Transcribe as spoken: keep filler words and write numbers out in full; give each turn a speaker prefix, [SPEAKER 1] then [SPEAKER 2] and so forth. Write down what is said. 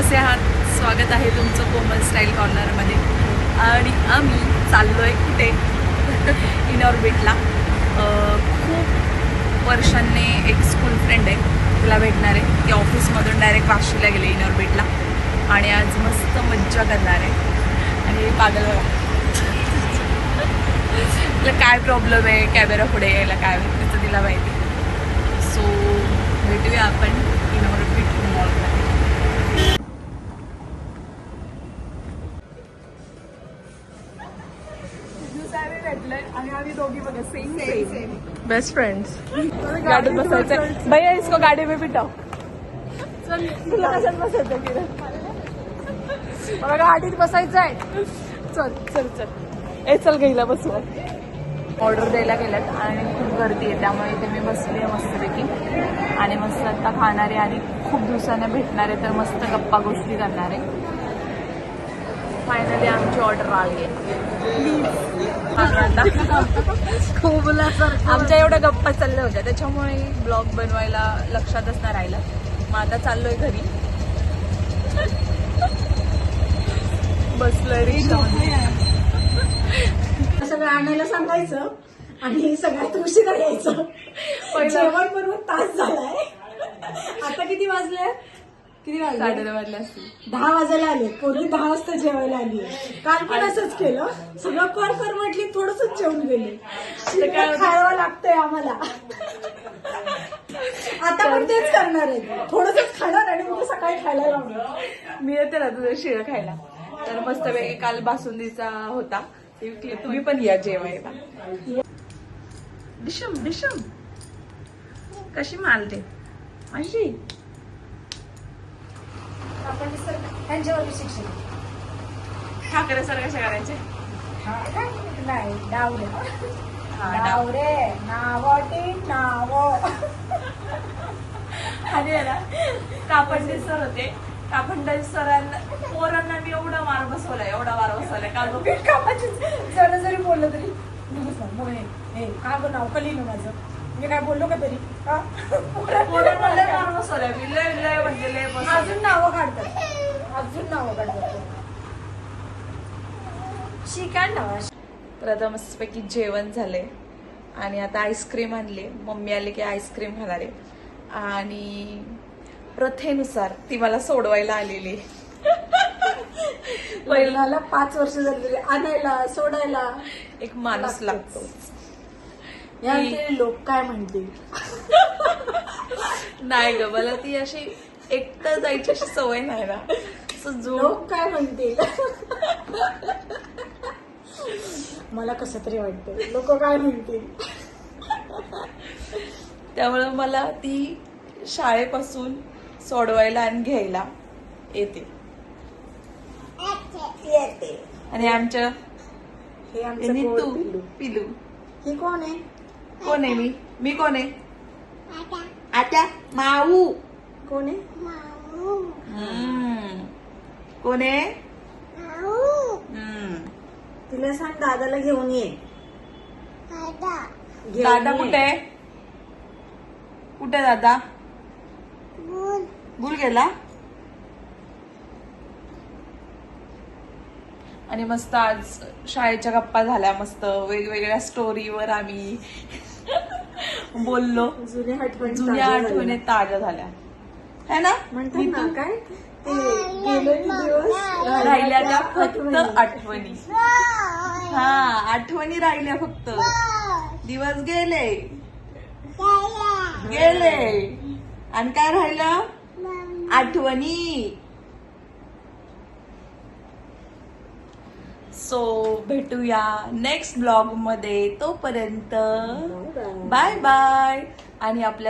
[SPEAKER 1] कसे आहात? स्वागत आहे तुमचं कोमल स्टाईल कॉर्नरमध्ये. आणि आम्ही चाललो आहे कुठे? इनऑर्बिटला. खूप वर्षांनी एक स्कूल फ्रेंड आहे, तिला भेटणार आहे. ती ऑफिसमधून डायरेक्ट वाशीला गेले इनऑर्बिटला आणि आज मस्त मज्जा करणार आहे. आणि पागल तिला काय प्रॉब्लेम आहे कॅमेरा पुढे यायला, काय तिचं तिला माहिती. सो भेटूया आपण इनऑर्बिट मॉलमध्ये. आणि आम्ही दोघी बघा सेम सेम बेस्ट फ्रेंड्स. गाडीत बसायचं भैया, इसको गाडी में बिठाओ. चल तुला कशात बसायचं की मला गाडीत बसायचं आहे. चल चल चल ए चल गेला बसू. ऑर्डर द्यायला गेल्यात आणि खूप गर्दी आहे, त्यामुळे इथे मी बसली आहे मस्तपैकी. आणि मस्त आता खाणार आहे आणि खूप दिवसांना भेटणार आहे, तर मस्त गप्पा गोष्टी करणार आहे. फायनली आमची ऑर्डर आली आहे. खूप आमच्या एवढ्या गप्पा चालल्या होत्या, त्याच्यामुळे ब्लॉग बनवायला लक्षातच नाही राहिलं. मग आता चाललोय घरी. बसलोय रिक्षामध्ये.
[SPEAKER 2] सगळं आणायला सांगायचं आणि सगळ्यात उशिरा यायचं. जेवण बरोबर तास झालाय. आता किती वाजले? किती वाजले?
[SPEAKER 1] साडे दहा वाजले असतील.
[SPEAKER 2] दहा वाजायला आले. पूर्वी दहा वाजता जेवायला आली. काल पण असंच केलं. सगळं कर कर म्हटली, थोडंसंच जेवून गेले. खायला लागतंय आम्हाला. आता पण तेच करणार आहे, थोडंसंच खाणार आणि मग सकाळी खायला लावणार.
[SPEAKER 1] मी येते ना तुझं शिळ खायला. तर मस्तपैकी काल बासुंदीचा होता, तुम्ही पण या जेवायला. डिशम डिशम कशी मालते अशी.
[SPEAKER 2] आपण त्यांच्यावर शिक्षण
[SPEAKER 1] ठाकरे सर कशा करायचे?
[SPEAKER 2] नाही डावरे
[SPEAKER 1] हा,
[SPEAKER 2] डावरे नावटी नाव.
[SPEAKER 1] आणि आहे ना कापंडे सर होते. कापंडे सरांना पोरांना मी एवढा मार बसवलाय, एवढा मार बसवलाय. काल
[SPEAKER 2] कापाची जरा जरी बोललं तरी हे का गं नाव कली ना माझं, मी काय बोललो का तरी.
[SPEAKER 1] पोरांना लय मार बसवलाय मी, लय लय म्हणजे लय बसवलंय.
[SPEAKER 2] अजून नावं काढतात, अजून नावं काढतात. शिकाय ना.
[SPEAKER 1] तर आता मस्तपैकी जेवण झाले आणि आता आईस्क्रीम आणले. मम्मी आले की आईस्क्रीम खाणार आहे. आणि प्रथेनुसार ती मला सोडवायला आलेली.
[SPEAKER 2] पहिल्याला पाच वर्ष झालेली, आणायला सोडायला
[SPEAKER 1] एक माणूस लागतो.
[SPEAKER 2] या लोक काय म्हणतील.
[SPEAKER 1] नाही ग, मला ती अशी एकटं जायची अशी सवय नाही ना.
[SPEAKER 2] लोक काय म्हणतील. मला कसं तरी वाटतं लोक काय म्हणतील.
[SPEAKER 1] त्यामुळे मला ती शाळेपासून सोडवायला आणि घ्यायला येते.
[SPEAKER 2] येते.
[SPEAKER 1] आणि आमच्या
[SPEAKER 2] हे आमचं
[SPEAKER 1] नीतू
[SPEAKER 2] पिलू.
[SPEAKER 1] पिलू.
[SPEAKER 2] ही कोण आहे?
[SPEAKER 1] कोण आहे? मी मी कोण आहे? आता माऊ.
[SPEAKER 2] कोण आहे?
[SPEAKER 1] हम्म. कोण आहे? हम्म.
[SPEAKER 2] तिला सांग दादाला घेऊन ये.
[SPEAKER 1] दादा कुठे आहे? कुठे दादा? भूल गेला. आणि मस्त आज शाळेच्या गप्पा झाल्या. मस्त वेगवेगळ्या स्टोरीवर आम्ही बोललो.
[SPEAKER 2] जुन्या आठवणी
[SPEAKER 1] जुन्या आठवणी ताज्या झाल्या है ना.
[SPEAKER 2] म्हणतात ना काय ते गेले दिवस
[SPEAKER 1] राहिल्या त्या फक्त आठवणी. हा, आठवणी राहिल्या फक्त. दिवस गेले गेले आणि काय राहिलं? आठवणी. सो भेटूया नेक्स्ट ब्लॉग मध्ये. तोपर्यंत बाय बाय. आणि आपल्या